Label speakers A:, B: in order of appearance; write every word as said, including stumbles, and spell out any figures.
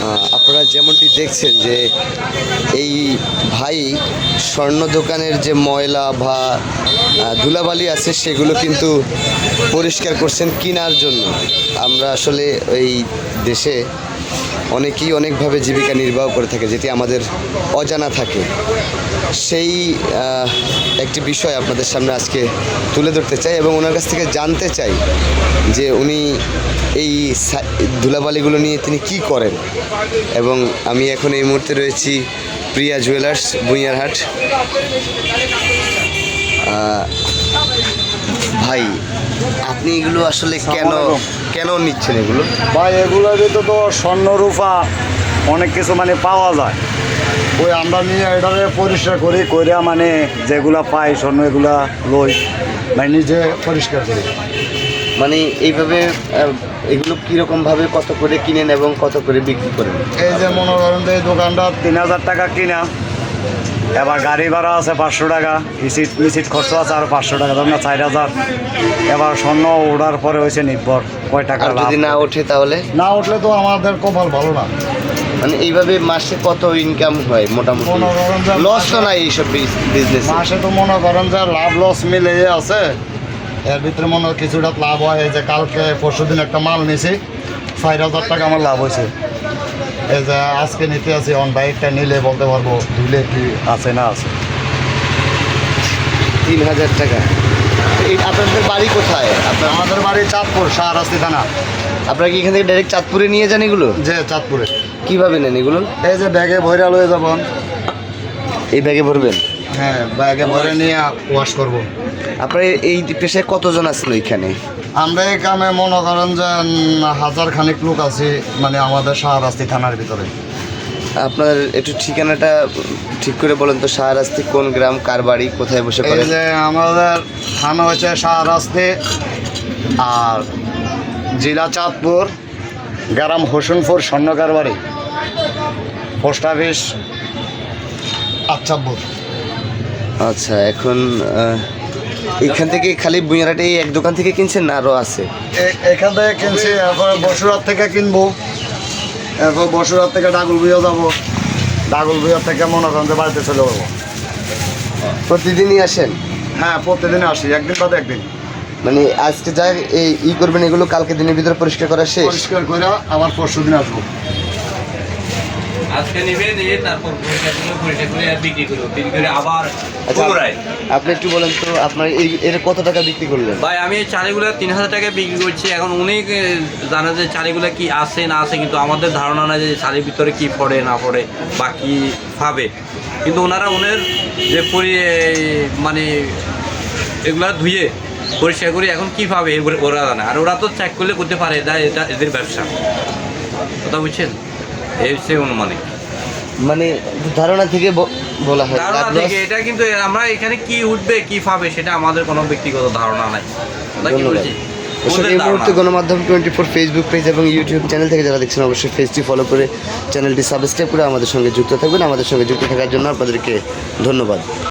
A: আপনারা যেমনটি দেখছেন যে এই ভাই স্বর্ণ দোকানের যে ময়লা বা ধুলাবালি আছে সেগুলো কিন্তু পরিষ্কার করছেন কেনার জন্য। আমরা আসলে এই দেশে অনেকেই অনেকভাবে জীবিকা নির্বাহ করে থাকে, যেটি আমাদের অজানা থাকে। সেই একটি বিষয় আপনাদের সামনে আজকে তুলে ধরতে চাই এবং ওনার কাছ থেকে জানতে চাই যে উনি এই ধুলাবালিগুলো নিয়ে তিনি কি করেন। এবং আমি এখন এই মুহূর্তে রয়েছি প্রিয়া জুয়েলার্স বুইয়ারহাট। ভাই, আপনি এগুলো আসলে কেন কেন নিচ্ছেন এগুলো?
B: ভাই এগুলোর ভিতরে তো স্বর্ণ রূপা অনেক কিছু মানে পাওয়া যায়, ওই আমরা নিয়ে এটারে পরিষ্কার করি কইরা মানে যেগুলা পাই স্বর্ণ এগুলা লই মানে নিজে পরিষ্কার করি।
A: মানে এইভাবে এগুলো কীরকমভাবে কত করে কিনেন এবং কত করে বিক্রি করেন?
B: এই যে মনে করেন এই দোকানটা তিন হাজার টাকা কিনা, এবার গাড়ি ভাড়া আছে পাঁচশো টাকা, ইসিট মিসিট খরচ আছে আর পাঁচশো টাকা, ধর না চার হাজার। এবার স্বর্ণ ওঠার পরে হয়েছে নির্ভর কয় টাকা।
A: যদি না ওঠে তাহলে?
B: না উঠলে তো আমাদের কপাল ভালো না।
A: মানে এইভাবে মাসে কত ইনকাম হয় মোটামুটি? লস তো নাই এইসব বিজনেস?
B: মাসে তো মনে করেন যে লাভ লস মিলে আছে, এর ভিতরে মনে হয় কিছুটা লাভ হয়। এই যে কালকে পরশু দিন একটা মাল নিয়েছি, চার হাজার টাকা আমার লাভ হয়েছে। এই যে আজকে নিতে আছি অন বাইকটা নিলে বলতে পারবো ধুলে কি আছে না আছে।
A: তিন হাজার টাকা। এই আপনাদের বাড়ি কোথায়? আপনার?
B: আমাদের বাড়ি চাঁদপুর, শাহরাস্তি থানা।
A: আপনারা কি এখান থেকে ডাইরেক্ট চাঁদপুরে নিয়ে যান এগুলো?
B: যে চাঁদপুরে।
A: কীভাবে নেন এগুলো?
B: এই যে ব্যাগে ভরে লয়ে যাবেন।
A: এই ব্যাগে ভরবেন?
B: হ্যাঁ, ব্যাগে ভরে নিয়ে ওয়াশ করব।
A: আপনার এই পেশায় কতজন আছেন ওইখানে?
B: আমরা এই কামে মনে করেন যে হাজার খানিক লোক আছি, মানে আমাদের শাহরাস্তি থানার ভিতরে।
A: আপনার একটু ঠিকানাটা ঠিক করে বলেন তো, শাহরাস্তি কোন গ্রাম, কার বাড়ি, কোথায় বসে করেন?
B: এই যে আমাদের থানা হচ্ছে শাহরাস্তি, আর জেলা চাঁদপুর, গ্রাম হোসেনপুর, স্বর্ণকার বাড়ি, পোস্ট অফিস আচ্ছাপুর।
A: আচ্ছা, এখন এখান থেকে খালি বুইয়ারহাটে এই এক দোকান থেকে কিনছেন না আরও আছে?
B: এখান থেকে কিনছি, এরপর বসুরহাট থেকে কিনবো, এরপর বসুরহাট থেকে ডাগুল বুয়া যাবো, ডাগুল বুয়ার থেকে মনে করেন যে বাড়িতে চলে যাবো।
A: প্রতিদিনই আসেন?
B: হ্যাঁ, প্রতিদিন আসি, একদিন বাদে একদিন।
A: মানে আজকে যা এই ই করবেন এগুলো কালকে দিনের ভিতরে পরিষ্কার করা শেষ?
B: পরিষ্কার করে আবার পরশু দিন আসবো।
C: আজকে নিবে নিয়ে তারপর পরিষ্কার করে পরিষ্কার করে আর বিক্রি করবো, বিক্রি করে আবার পুনরায়।
A: আপনি একটু বলেন তো আপনার এই এর কত টাকা বিক্রি করলেন?
C: ভাই আমি এই চালিগুলো তিন হাজার টাকায় বিক্রি করছি। এখন উনি জানে যে চালিগুলো কি আছে না আছে, কিন্তু আমাদের ধারণা নাই যে চালির ভিতরে কি পড়ে না পড়ে বা কী ভাবে। কিন্তু ওনারা ওনের যে পরি মানে এগুলা ধুয়ে পরিষ্কার করে এখন কীভাবে ওরা জানে, আর ওরা তো চেক করলে করতে পারে, এটা এটা এদের ব্যবসা। কথা বুঝছেন? এই হচ্ছে অনুমানিক,
A: মানে ধারণা থেকে বলা হয়
C: ধারণা থেকে। এটা কিন্তু আমরা এখানে কি উঠবে কি পাবে সেটা আমাদের কোনো ব্যক্তিগত ধারণা নাই।
A: এই মুহূর্তে গণমাধ্যম টোয়েন্টি ফোর ফেসবুক পেজ এবং ইউটিউব চ্যানেল থেকে যারা দেখছেন অবশ্যই পেজটি ফলো করে চ্যানেলটি সাবস্ক্রাইব করে আমাদের সঙ্গে যুক্ত থাকবেন। আমাদের সঙ্গে যুক্ত থাকার জন্য আপনাদেরকে ধন্যবাদ।